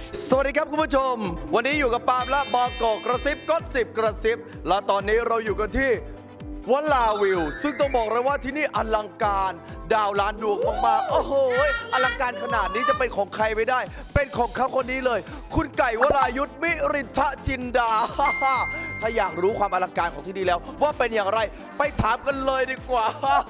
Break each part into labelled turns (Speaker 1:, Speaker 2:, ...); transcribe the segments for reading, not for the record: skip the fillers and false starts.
Speaker 1: สวัสดีครับคุณผู้ชมวันนี้อยู่กับปาล์มและบกกระซิบก็10กระซิบและตอนนี้เราอยู่กันที่วลาวิวซึ่งต้องบอกเลยว่าที่นี่อลังการดาวล้านดวงมากๆโอ้โหอลังการขนาดนี้จะเป็นของใครไม่ได้ เป็นของเขาคนนี้เลย คุณไก่วรายุทธมิรินทจินดา ถ้าอยากรู้ความอลังการของที่นี่แล้ว ว่าเป็นอย่างไรไปถามกันเลยดีกว่า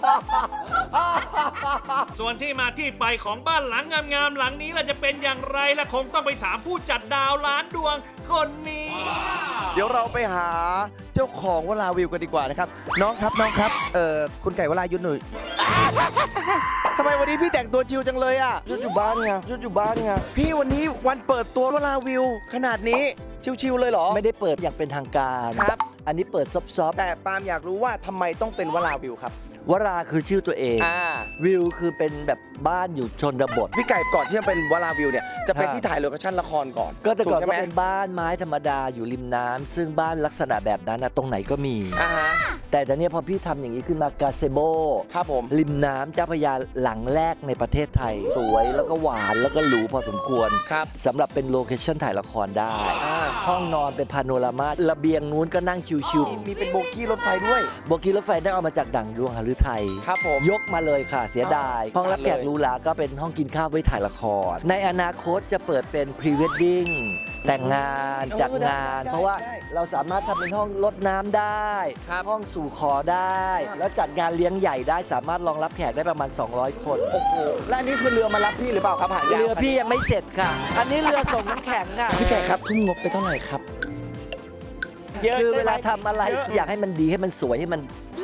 Speaker 2: ส่วนที่มาที่ไปของบ้านหลังงามๆหลังนี้ล่ะจะเป็นอย่างไรล่ะคงต้องไปถามผู้จัดดาวล้านดวงคนนี้
Speaker 1: เดี๋ยวเราไปหาเจ้าของวลาวิวกันดีกว่านะครับน้องครับคุณไก่วรายุทธหน่อย ทำไมวันนี้พี่แต่งตัวชิลจังเลยอ่ะยุดอยู่บ้านไงยุดอยู่บ้านไงพี่วันนี้วันเปิดตัววลาวิวขนาดนี้ชิลๆเลยเหรอ
Speaker 3: ไม่ได้เปิดอย่างเป็นทางการ
Speaker 1: ครับ
Speaker 3: อันนี้เปิดซอฟต์
Speaker 1: แต่ปาล์มอยากรู้ว่าทำไมต้องเป็นวลาวิวครับ
Speaker 3: ๆวราคือชื่อตัวเอง วิวคือเป็นแบบบ้านอยู่ชนบท
Speaker 1: พี่ไก่ก่อนที่จะเป็นวลาวิวเนี่ยจะเป็นที่ถ่ายโลเคชั่นละครก่อน
Speaker 3: ก็แต่ก่อน
Speaker 1: ถู
Speaker 3: ก็
Speaker 1: ใช่ไหม
Speaker 3: เป็นบ้านไม้ธรรมดาอยู่ริมน้ำซึ่งบ้านลักษณะแบบนั้นนะตรงไหนก็มี
Speaker 1: อ่าฮะ
Speaker 3: แต่ตอนนี้พอพี่ทำอย่างนี้ขึ้นมากาเซโบ
Speaker 1: ครับผม
Speaker 3: ริมน้ำเจ้าพระยาหลังแรกในประเทศไทย สวยแล้วก็หวานแล้วก็หรูพอสมควร
Speaker 1: ครับ
Speaker 3: สำหรับเป็นโลเคชั่นถ่ายละครได้ ห้องนอนเป็นพาโนรามาระเบียงนู้นก็นั่งชิว
Speaker 1: มีเป็นโบกี้รถไฟด้วย
Speaker 3: ๆโบกี้รถไฟได้เอามาจากดั่งดวงหฤทัย
Speaker 1: ครับผม
Speaker 3: ยกมาเลยค่ะเสียดาย ห้องรับแขกหรูหราก็เป็นห้องกินข้าวไว้ถ่ายละคร ในอนาคตจะเปิดเป็นพรีเวดดิ้งแต่งงานจัดงาน เพราะว่าเราสามารถทำเป็นห้องรดน้ำได้ ห้องสู่ขอได้ แล้วจัดงานเลี้ยงใหญ่ได้สามารถรองรับแขกได้ประมาณ 200 คน
Speaker 1: โอ้โหและอันนี้คือเรือมารับพี่หรือเปล่าครับหางยาว
Speaker 3: เรือพี่ยังไม่เสร็จค่ะ อันนี้เรือส่งน้ำแข็งค่ะ
Speaker 1: พี่ไก่ครับทุ่มงบไปเท่าไหร่ครับ
Speaker 3: คือเวลาทำอะไรอยากให้มันดีให้มันสวยให้มัน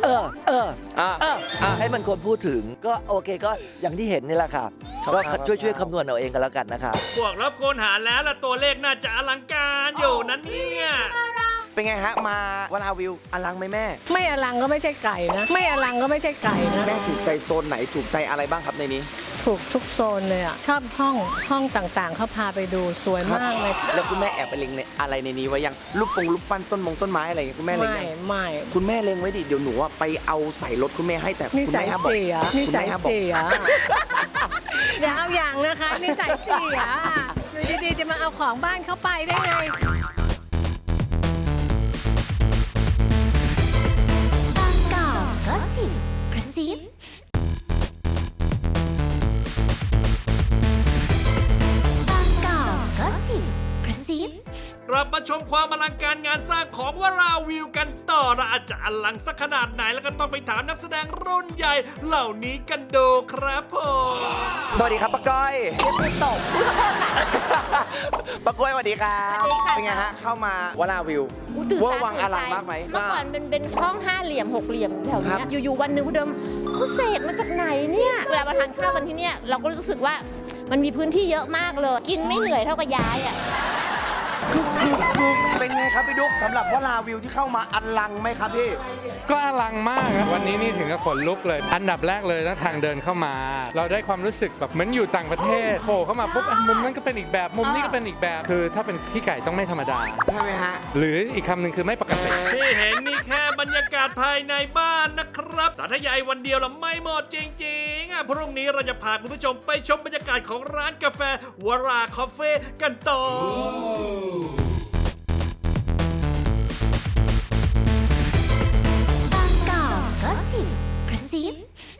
Speaker 3: ให้มันคนพูดถึงก็โอเคก็อย่างที่เห็นนี่แหละค่ะก็ช่วยคำนวณเอาเองกันแล้วกันนะคะ
Speaker 2: พวกรับคนหารแล้วล่ะตัวเลขน่าจะอลังการอยู่นั้นเนี่ย
Speaker 1: เป็นไงฮะมาวลาวิวอลังไหมแม่
Speaker 4: ไม่อลังก็ไม่ใช่ไก่นะ ไม่อลังก็ไม่ใช่ไก่นะ
Speaker 1: แม่ถูกใจโซนไหนถูกใจอะไรบ้างครับในนี้
Speaker 4: ถูกทุกโซนเลยอ่ะ ชอบห้องต่างๆ เขาพาไปดูสวยมากเลย
Speaker 1: แล้วคุณแม่แอบไปเล็งอะไรในนี้ไว้ยังรูปปั้นต้นไม้อะไรอย่างเงี้ยคุณแม่เล็ง
Speaker 4: ไม่
Speaker 1: ยัง
Speaker 4: ไม่
Speaker 1: คุณแม่เล็งไว้ดิเดี๋ยวหนูอะไปเอาใส่รถคุณแม่ให้แต่
Speaker 4: นิ
Speaker 1: คุณ
Speaker 4: สั
Speaker 1: แม่
Speaker 4: ย
Speaker 1: ห้ามบอก
Speaker 4: เสีย
Speaker 1: คุ
Speaker 4: นิ
Speaker 1: ณ
Speaker 4: สั
Speaker 1: แม่
Speaker 4: ย
Speaker 1: ห้ามบอก
Speaker 4: เสียอย่าเอาอย่างนะคะนิสัยเสียอยู่ดีๆจะมาเอาของบ้านเขาไปได้ไง
Speaker 5: บางกอกก็สิบกระซิบางกอกก็สิบกระซิบ
Speaker 2: กลับมาชมความอลังการงานสร้างของวราวิวกันต่อนะอาจจะอลังสักขนาดไหนแล้วก็ต้องไปถามนักแสดงรุ่นใหญ่เหล่านี้กันดูครับผม
Speaker 1: สวัสดีครับป้าก้อยป้าก้อยสวัสดีครับเป็นไงฮะเข้ามาวลาวิว
Speaker 6: ตื่น
Speaker 1: เว่า
Speaker 6: ตา
Speaker 1: วัง
Speaker 6: ตื่น
Speaker 1: อลั
Speaker 6: ใจ
Speaker 1: งมากไหม
Speaker 6: เมื่อก่อนเป็นห้อง5 เหลี่ยม 6 เหลี่ยมแถว
Speaker 1: ครั
Speaker 6: เนี้
Speaker 1: บ
Speaker 6: ยอยู่ๆวันหนึ่งพี่เดิมเขาเสกมาจากไหนเนี่ยเวลามาทานข้าวกันที่เนี่ยเราก็รู้สึกว่ามันมีพื้นที่เยอะมากเลย กินไม่เหนื่อยเท่ากับย้ายอ่ะ
Speaker 1: เป็นไงครับพี่ดุ๊กสำหรับวลาวิวที่เข้ามาอลังไหมครับพี่
Speaker 7: ก็อลังมากอะวันนี้นี่ถึงกับขนลุกเลย อันดับแรกเลยนะทางเดินเข้ามา เราได้ความรู้สึกแบบเหมือนอยู่ต่างประเทศโผล่เข้ามาปุ๊บอ่ะมุมนั้นก็เป็นอีกแบบมุมนี้ก็เป็นอีกแบบ คือถ้าเป็นพี่ไก่ต้องไม่ธรรมดา
Speaker 1: ใช่ไหมฮะ
Speaker 7: หรืออีกคำหนึ่งคือไม่ปกติ
Speaker 2: ที่เห็นนี่แค่บรรยากาศภายในบ้านนะครับ สาธยายวันเดียวละไม่หมดจริงๆพรุ่งนี้เราจะพาคุณผู้ชมไปชมบรรยากาศของร้านกาแฟวราคาเฟ่กันต่อ
Speaker 5: บางกอกก็สิบกระซิบ